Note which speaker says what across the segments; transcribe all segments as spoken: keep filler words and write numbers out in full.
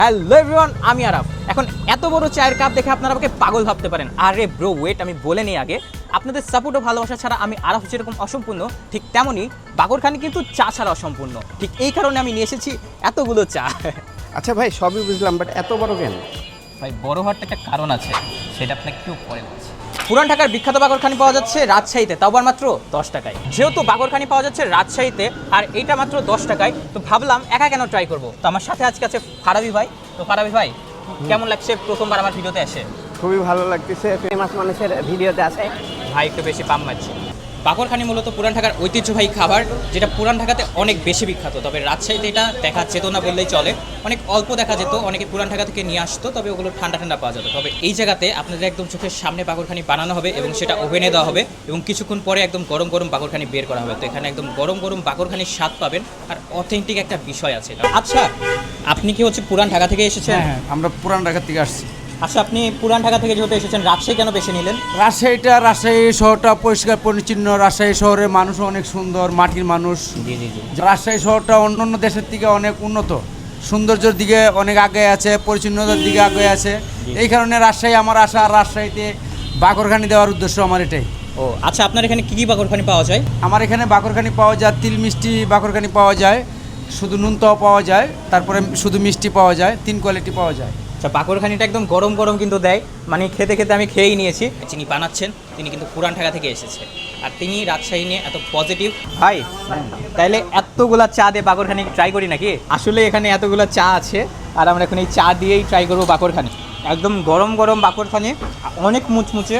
Speaker 1: Hello everyone, আমি আরাফ। এখন এত বড় চায়ের কাপ দেখে আপনারা আমাকে পাগল ভাবতে পারেন। আরে ব্রো ওয়েট, আমি বলে নিই আগে, আপনাদের সাপোর্ট ও ভালোবাসা ছাড়া আমি আরাফ যেরকম অসম্পূর্ণ, ঠিক তেমনই বাগরখানি কিন্তু চা ছাড়া অসম্পূর্ণ। ঠিক এই কারণে আমি নিয়ে এসেছি এতগুলো চা।
Speaker 2: আচ্ছা ভাই, সবই বুঝলাম, বাট এত বড় কেন?
Speaker 1: ভাই বড় হওয়ার একটা কারণ আছে, সেটা আপনাকে একটু পরে বলছি। পুরান ঢাকার বিখ্যাত বাগরখানি পাওয়া যাচ্ছে রাজশাহীতে, তাও আবার মাত্র দশ টাকায়। যেহেতু বাগরখানি পাওয়া যাচ্ছে রাজশাহীতে আর এইটা মাত্র দশ টাকায়, তো ভাবলাম একা কেন ট্রাই করবো। তো আমার সাথে আজকে আছে ফারাবি ভাই। তো ফারাবি ভাই, কেমন লাগছে প্রথমবার আমার ভিডিওতে এসে?
Speaker 2: খুবই ভালো লাগতেছে, ফেমাস মানুষের ভিডিওতে আছে।
Speaker 1: ভাই একটু বেশি পাম মারছে। বাগরখানি মূলত পুরান ঢাকার ঐতিহ্যবাহী খাবার, যেটা পুরান ঢাকাতে অনেক বেশি বিখ্যাত। তবে রাজশাহীতে এটা দেখা যেত না বললেই চলে, অনেক অল্প দেখা যেত। অনেকে পুরান ঢাকা থেকে নিয়ে আসতো, তবে ওগুলো ঠান্ডা ঠান্ডা পাওয়া যেত। তবে এই জায়গাতে আপনাদের একদম চোখের সামনে বাগরখানি বানানো হবে এবং সেটা ওভেনে দেওয়া হবে এবং কিছুক্ষণ পরে একদম গরম গরম বাগরখানি বের করা হবে। তো এখানে একদম গরম গরম বাগরখানির স্বাদ পাবেন আর অথেন্টিক একটা বিষয় আছে। আচ্ছা, আপনি কি হচ্ছে পুরান ঢাকা থেকে এসেছেন?
Speaker 3: হ্যাঁ, আমরা পুরান ঢাকা থেকে আসছি।
Speaker 1: আচ্ছা, আপনি পুরান ঢাকা থেকে যেহেতু এসেছেন, রাজশাহী কেন বেছে নিলেন?
Speaker 3: রাজশাহীটা রাজশাহী শহরটা পরিষ্কার পরিচ্ছন্ন, রাজশাহী শহরের মানুষও অনেক সুন্দর, মাটির মানুষ।
Speaker 1: জি জি জি।
Speaker 3: রাজশাহী শহরটা অন্য অন্য দেশের থেকে অনেক উন্নত, সৌন্দর্যের দিকে অনেক আগে আছে, পরিচ্ছন্নতার দিকে আগে আছে। এই কারণে রাজশাহী আমার আশা, আর রাজশাহীতে বাগরখানি দেওয়ার উদ্দেশ্য আমার এটাই।
Speaker 1: ও আচ্ছা, আপনার এখানে কী কী বাগরখানি পাওয়া যায়?
Speaker 3: আমার এখানে বাগরখানি পাওয়া যায়, তিল মিষ্টি বাগরখানি পাওয়া যায়, শুধু নুনতাও পাওয়া যায়, তারপরে শুধু মিষ্টি পাওয়া যায়, তিন কোয়ালিটি পাওয়া যায়।
Speaker 1: আচ্ছা, বাকরখানিটা একদম গরম গরম কিন্তু দেয়, মানে খেতে খেতে আমি খেয়েই নিয়েছি। যিনি বানাচ্ছেন তিনি কিন্তু পুরান ঢাকা থেকে এসেছে, আর তিনি রাজশাহী নিয়ে এত পজিটিভ। ভাই তাইলে এতগুলা চা দিয়ে বাকরখানি ট্রাই করি নাকি? আসলে এখানে এতগুলো চা আছে আর আমরা এখন এই চা দিয়েই ট্রাই করবো বাকরখানি। একদম গরম গরম বাকরখানি, অনেক মুচমুচে।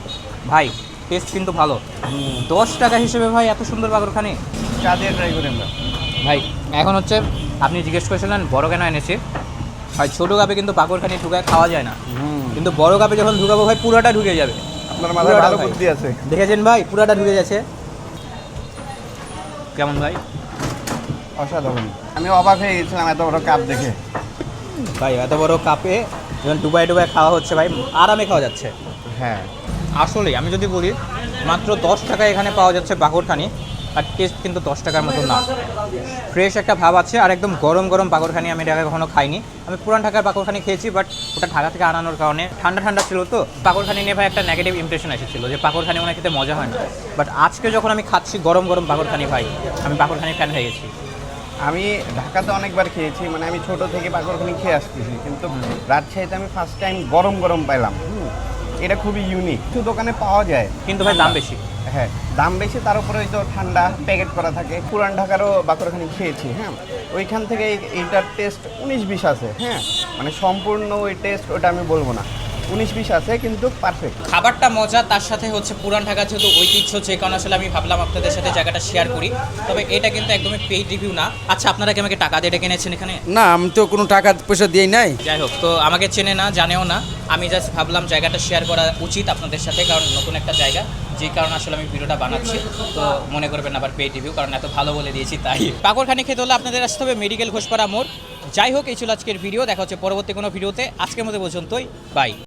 Speaker 1: ভাই টেস্ট কিন্তু ভালো। দশ টাকা হিসেবে ভাই এত সুন্দর বাকরখানি।
Speaker 2: চা দিয়ে ট্রাই করি আমরা।
Speaker 1: ভাই এখন হচ্ছে আপনি জিজ্ঞেস করেছিলেন বড় কেন এনেছি। ভাই ছোটো কাপে কিন্তু বাকরখানি ঢুকায় খাওয়া যায় না, কিন্তু বড় কাপে যখন ঢুকাবো ভাই পুরাটা ঢুকে যাবে।
Speaker 2: আপনার মাথায়
Speaker 1: পুরাটা
Speaker 2: ভালো
Speaker 1: ভাই।
Speaker 2: বুদ্ধি আছে।
Speaker 1: দেখেছেন ভাই, পুরাটা ঢুকে যাচ্ছে। কেমন ভাই?
Speaker 2: অসাধারণ। আমি অবাক হয়ে গেছিলাম এত বড় কাপ দেখে।
Speaker 1: ভাই এত বড় কাপে যখন ডুবাই ডুবাই খাওয়া হচ্ছে ভাই, আরামে খাওয়া যাচ্ছে।
Speaker 2: হ্যাঁ,
Speaker 1: আসলে আমি যদি বলি মাত্র দশ টাকায় এখানে পাওয়া যাচ্ছে বাকরখানি, আর টেস্ট কিন্তু দশ টাকার মতো না। ফ্রেশ একটা ভাব আছে আর একদম গরম গরম বাকরখানি আমি ঢাকায় কখনো খাইনি। আমি পুরান ঢাকার বাকরখানি খেয়েছি, বাট ওটা ঢাকা থেকে আনানোর কারণে ঠান্ডা ঠান্ডা ছিল, তো বাকরখানি নিয়ে ভাই একটা নেগেটিভ ইমপ্রেশন এসেছিল যে বাকরখানি মনে খেতে মজা হয় না। বাট আজকে যখন আমি খাচ্ছি গরম গরম বাকরখানি, ভাই আমি বাকরখানি ফ্যান হয়ে গেছি।
Speaker 2: আমি ঢাকাতে অনেকবার খেয়েছি, মানে আমি ছোট থেকে বাগরখানি খেয়ে আসতেছি, কিন্তু রাজশাহীতে আমি ফার্স্ট টাইম গরম গরম পাইলাম। হুম, এটা খুবই ইউনিক। কিছু দোকানে পাওয়া যায়,
Speaker 1: কিন্তু ভাই দাম বেশি।
Speaker 2: হ্যাঁ দাম বেশি, তার উপরে ওই তো ঠান্ডা প্যাকেট করা থাকে। পুরান ঢাকারও বাকরখানি খেয়েছি, হ্যাঁ ওইখান থেকে এই- এইটার টেস্ট উনিশ বিশ আছে। হ্যাঁ মানে সম্পূর্ণ ওই টেস্ট ওটা আমি বলবো না, উনিশ বিশ আছে, কিন্তু পারফেক্ট।
Speaker 1: খাবারটা মজা, তার সাথে হচ্ছে পুরান ঢাকা যেহেতু ঐতিহ্য, যে কারণে আসলে আমি ভাবলাম আপনাদের সাথে জায়গাটা শেয়ার করি। তবে এটা কিন্তু একদমই পেইড রিভিউ না। আচ্ছা, আপনারা কি আমাকে টাকা দিয়ে ডেকে এনেছেন এখানে?
Speaker 3: না, আমি তো কোনো টাকা পয়সা দিই নাই।
Speaker 1: যাই হোক, তো আমাকে চেনে না, জানেও না। আমি জাস্ট ভাবলাম জায়গাটা শেয়ার করা উচিত আপনাদের সাথে, কারণ নতুন একটা জায়গা, যে কারণে আসলে আমি ভিডিওটা বানাচ্ছি। তো মনে করবেন আবার পেইড রিভিউ, কারণ এত ভালো বলে দিয়েছি তাই। বাকরখানি খেতে হলে আপনাদের আসতে হবে মেডিকেল ঘোষপাড়া মোড়। যাই হোক, এই ছিল আজকের ভিডিও। দেখা হচ্ছে পরবর্তী কোনো ভিডিওতে। আজকের মতো পর্যন্তই, বাই।